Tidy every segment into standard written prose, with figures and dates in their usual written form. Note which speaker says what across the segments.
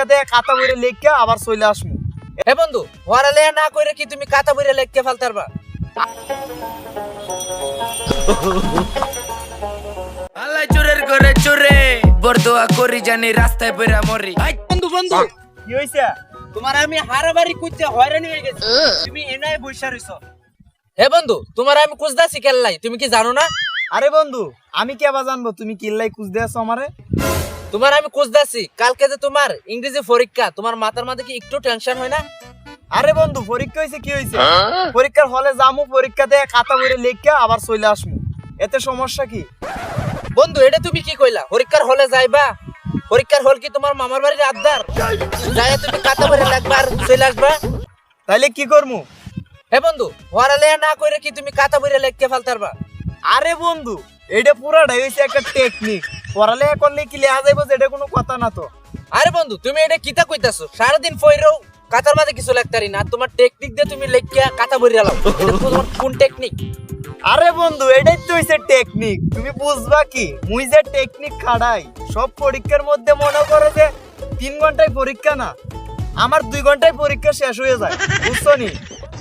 Speaker 1: পরীক্ষাতে খাতা বইরে লিখে আবার চলে আসবো।
Speaker 2: হে বন্ধু, পড়ালেখা না করে কি তুমি খাতা বইরে লিখতে ফেলতারবা? আল্লাহ চোরের ঘরে চোরে বরদোয়া করি জানি রাস্তায় বেরা মরি। বন্ধু বন্ধু,
Speaker 1: কি হইছে?
Speaker 2: তোমার আমি হারাবাড়ি কুইতে হয়রানি হয়ে গেছি, তুমি এনাই বইসা রইছো। হে বন্ধু, তোমার আমি কুজদাছি কেল্লাই, তুমি কি জানো না?
Speaker 1: আরে বন্ধু, আমি কি আবার জানবো তুমি কিল্লাই কুছ দিয়েছো আমারে?
Speaker 2: তোমার আমি কুজদাছি, কালকে যে তোমার ইংরেজি পরীক্ষা, তোমার মাথার মধ্যে কি একটু টেনশন হয় না?
Speaker 1: আরে বন্ধু, পরীক্ষা হইছে কি হইছে? পরীক্ষার হলে যামু, পরীক্ষাতে খাতা বইরে লিখে আবার চলে আসবো, এতে সমস্যা কি?
Speaker 2: বন্ধু এটা তুমি কি কইলা? পরীক্ষার হলে যাইবা? পরীক্ষার হল কি তোমার মামার বাড়ির আবদার? যাই তুমি খাতা বইরে লিখবা আর চলে আসবা?
Speaker 1: তাইলে কি করমু?
Speaker 2: হে বন্ধু, পড়ালেখা না করে কি তুমি খাতা বইরে লিখতে ফেলতারবা?
Speaker 1: আরে বন্ধু, এটা পুরাটাই হইছে একটা টেকনিক। পড়ালেখা করলে কি লেখা যাইবো এটা কোনো কথা না তো।
Speaker 2: আরে বন্ধু, তুমি এটা কিতা কইতাছো? সারাদিন পইরো কাতার মাঝে কিছু লিখতারি না, তোমার টেকনিক দিয়ে তুমি লিখিয়া খাতা বইরে লাও, এটা তোমার কোন টেকনিক?
Speaker 1: আরে বন্ধু, এটাই তো হইছে টেকনিক। তুমি বুঝবা কি? মুই যে টেকনিক খাড়াই সব পরীক্ষার মধ্যে, মনে করো যে 3 ঘন্টায় পরীক্ষা না, আমার 2 ঘন্টায় পরীক্ষা শেষ হয়ে যায়, বুঝছো নি?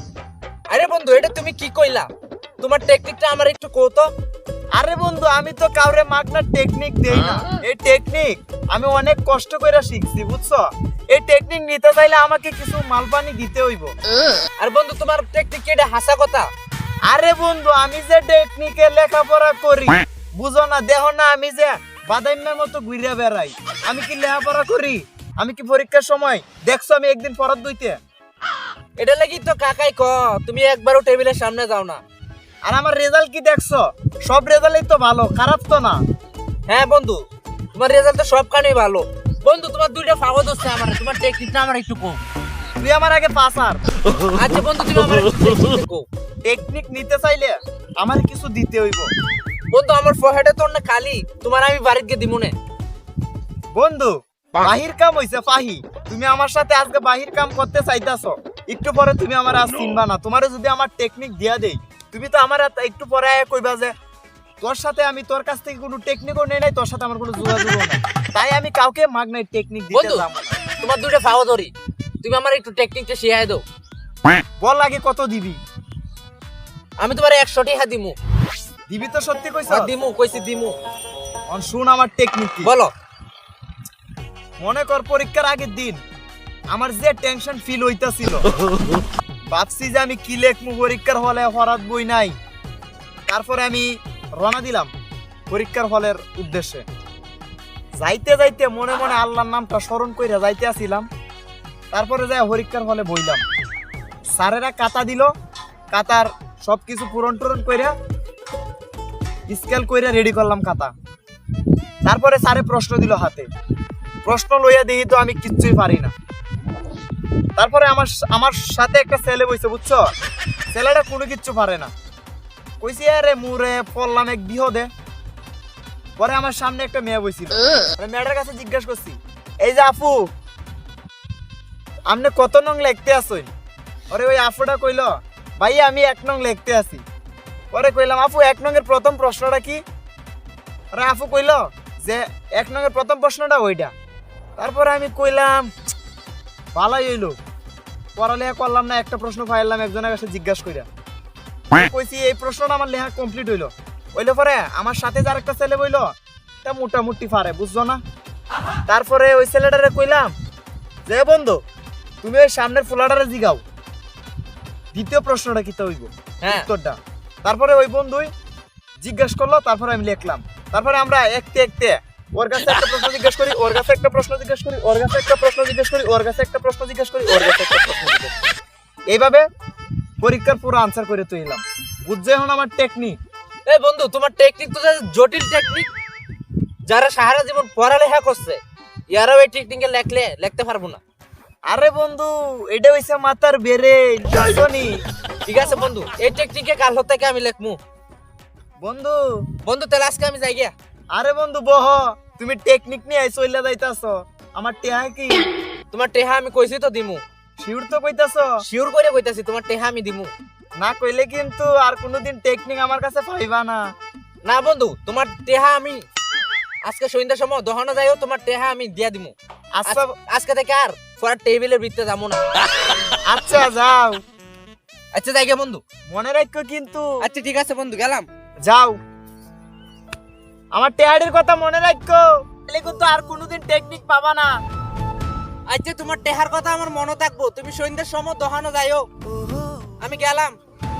Speaker 2: আরে বন্ধু, এটা তুমি কি কইলা? তোমার টেকনিকটা আমার একটু কও তো।
Speaker 1: আরে বন্ধু, আমি তো কাউরে মাগনা টেকনিক দেই না। এই টেকনিক আমি অনেক কষ্ট করে শিখছি, বুঝছো? এই টেকনিক নিতে চাইলে আমাকে কিছু মালপানি দিতে হইব।
Speaker 2: আর বন্ধু, তোমার টেকনিক কি এটা হাসা কথা?
Speaker 1: আরে বন্ধু, আমি যে টেকনিকে লেখাপড়া করি, বুঝো না? দেখো না, আমি যে বাদাইমের মতো ঘুরে বেড়াই, আমি কি লেখাপড়া করি? আমি কি পরীক্ষার সময় দেখছো আমি একদিন পড়ার দুইতে?
Speaker 2: এটা লাগি তো কাকাই ক তুমি একবারও টেবিলের সামনে যাও না।
Speaker 1: আর আমার রেজাল্ট কি দেখছো? সব রেজাল্টই তো ভালো, খারাপ তো না।
Speaker 2: হ্যাঁ বন্ধু, তোমার রেজাল্ট তো সব কানেই ভালো। বন্ধু, তোমার দুইটা ফাগত হচ্ছে আমার, তোমার টেকনিকটা আমার একটু কম।
Speaker 1: তুই আমার আগে পাসার।
Speaker 2: আচ্ছা বন্ধু, তুমি আমার একটু টেকনিকটা কও।
Speaker 1: টেকনিক নিতে চাইলে আমার কিছু দিতে হইব।
Speaker 2: বন্ধু, আমার ফহেডে তোর না খালি, তোমার আমি বাড়িতে গিয়ে দিমুনে।
Speaker 1: বন্ধু, বাহির কাম হইছে ফাহি। তুমি আমার সাথে আজকে বাহির কাম করতে চাইতাছো, একটু পরে তুমি আমার আজ চিনবা না। তোমারে যদি আমার টেকনিক দিয়া দেই, তুমি তো আমার একটু পরে আয়া কইবা যে তোর সাথে আমি, তোর কাছ থেকে কোনো টেকনিকও নেই নাই, তোর সাথে আমার কোনো যোগাযোগও নাই। তাই আমি কাউকে মাগনাই টেকনিক দিতে
Speaker 2: বন্ধু,
Speaker 1: যাব না।
Speaker 2: তোমার দুইটা ফাগত ধরি, তুমি আমার একটু টেকনিকটা শিখাই দাও।
Speaker 1: বল আগে কত দিবি?
Speaker 2: আমি তোমার 100 টাকা দিমু।
Speaker 1: দিবি তো সত্যি কইছ?
Speaker 2: দিমু, কইছি দিমু।
Speaker 1: অন শুন আমার টেকনিক কি।
Speaker 2: বলো।
Speaker 1: মনে কর পরীক্ষার আগের দিন আমার যে টেনশন ফিল হইতাছিল, ভাবছি যে আমি কি লেখমু পরীক্ষার হলে, হরাত বই নাই। তারপরে আমি রওনা দিলাম পরীক্ষার হলের উদ্দেশ্যে। যাইতে যাইতে মনে মনে আল্লাহর নামটা স্মরণ কইরা যাইতে আসিলাম। তারপরে যাই পরীক্ষার হলে বইলাম। স্যারেরা কাতা দিল, কাতার সবকিছু পূরণ টুরন কইরা স্কেল কইরা রেডি করলাম খাতা। তারপরে স্যারে প্রশ্ন দিল হাতে, প্রশ্ন লইয়া দিই তো আমি কিচ্ছুই পারি না। তারপরে আমার সাথে একটা ছেলে বইছে, বুঝছো? ছেলেটা কোনো কিচ্ছু পারে না। কইছি আরে মুরে পড়লাম এক বিহদে। পরে আমার সামনে একটা মেয়ে বইছিল, মেয়েটার কাছে জিজ্ঞাসা করছি, এই যে আপু, আপনি কত নং লিখতে আসেন? ওরে ওই আপুটা কইল, ভাই আমি 1 নং লিখতে আসি। পরে কইলাম, আপু 1 নং এর প্রথম প্রশ্নটা কি? আরে আপু কইল যে 1 নং এর প্রথম প্রশ্নটা ওইটা। তারপরে আমি কইলাম ভালোই হইলো, পড়ালেখা করলাম না, একটা প্রশ্ন পাইলাম একজনের কাছে জিজ্ঞাসা কইরা। কইছি এই প্রশ্নটা আমার লেখা কমপ্লিট হইলো। হইলে পরে আমার সাথে যার একটা ছেলে বইলো, তা মোটামুটি পারে, বুঝছো না? তারপরে ওই ছেলেটারে কইলাম যে বন্ধু, তুমি ওই সামনের ফুলাটারে জিগাও দ্বিতীয় প্রশ্নটা কি হইব,
Speaker 2: হ্যাঁ।
Speaker 1: উত্তরটা। তারপরে ওই বন্ধুই জিজ্ঞাসা করলো, তারপরে আমি লিখলাম। তারপরে আমরা একতে একতে ওর কাছে একটা প্রশ্ন জিজ্ঞেস করি, ওর কাছে একটা প্রশ্ন জিজ্ঞেস করি, ওর কাছে একটা প্রশ্ন জিজ্ঞেস করি, ওর কাছে একটা প্রশ্ন জিজ্ঞেস করি, ওর কাছে একটা প্রশ্ন জিজ্ঞেস করি। এইভাবে পরীক্ষার পুরো আনসার করে তুইলাম। বুঝছো এখন আমার টেকনিক?
Speaker 2: এই বন্ধু, তোমার টেকনিক তো জটিল টেকনিক। যারা সারা জীবন পড়ালেখা করছে, ইয়ারাও এই টেকনিকে লিখতে পারবো না।
Speaker 1: আরে বন্ধু, এটা হইছে মাথার বেরে, বুঝছো নি?
Speaker 2: ঠিক আছে বন্ধু, এই টেকনিকে কাল থেকে আমি লিখমু।
Speaker 1: বন্ধু
Speaker 2: বন্ধু, তাহলে আজকে আমি যাই গিয়া।
Speaker 1: আরে বন্ধু বহ, তুমি টেকনিক নিয়ে চইলা যাইতাছো, আমার টেহা কি?
Speaker 2: তোমার টেহা আমি কইছি তো দিমু।
Speaker 1: শিউর তো কইতাছো?
Speaker 2: শিওর করে কইতাছি, তোমার টেহা আমি দিমু।
Speaker 1: না কইলে কিন্তু আর কোনোদিন টেকনিক আমার কাছে পাইবা না।
Speaker 2: না বন্ধু, তোমার টেহা আমি আজকে সন্ধ্যার সময় দহনা যাইও, তোমার টেহা আমি দিয়া দিমু।
Speaker 1: আচ্ছা
Speaker 2: আজকে থেকে আর পরে টেবিলের ভিতরে যাবো না।
Speaker 1: আচ্ছা যাও,
Speaker 2: আচ্ছা যাই গে বন্ধু।
Speaker 1: মনে রাখো কিন্তু।
Speaker 2: আচ্ছা ঠিক আছে বন্ধু, গেলাম।
Speaker 1: যাও, আমার টেহাডির কথা মনে রাখো, তাহলে কিন্তু আর কোনোদিন টেকনিক পাবা না।
Speaker 2: আচ্ছা তোমার টেহার কথা আমার মনে থাকবো, তুমি সন্ধ্যার সময় দোকানে যাইও। আমি গেলাম।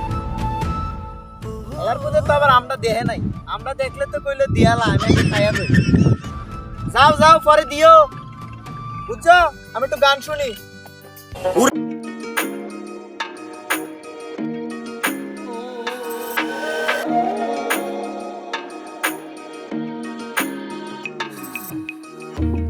Speaker 1: এর মধ্যে তো আবার আমরা দেহে নাই, আমরা দেখলে তো কইলে দিয়ালা আমি একটু খাইয়া কই। যাও যাও, পরে দিও, বুঝছো? আমি একটু গান শুনি।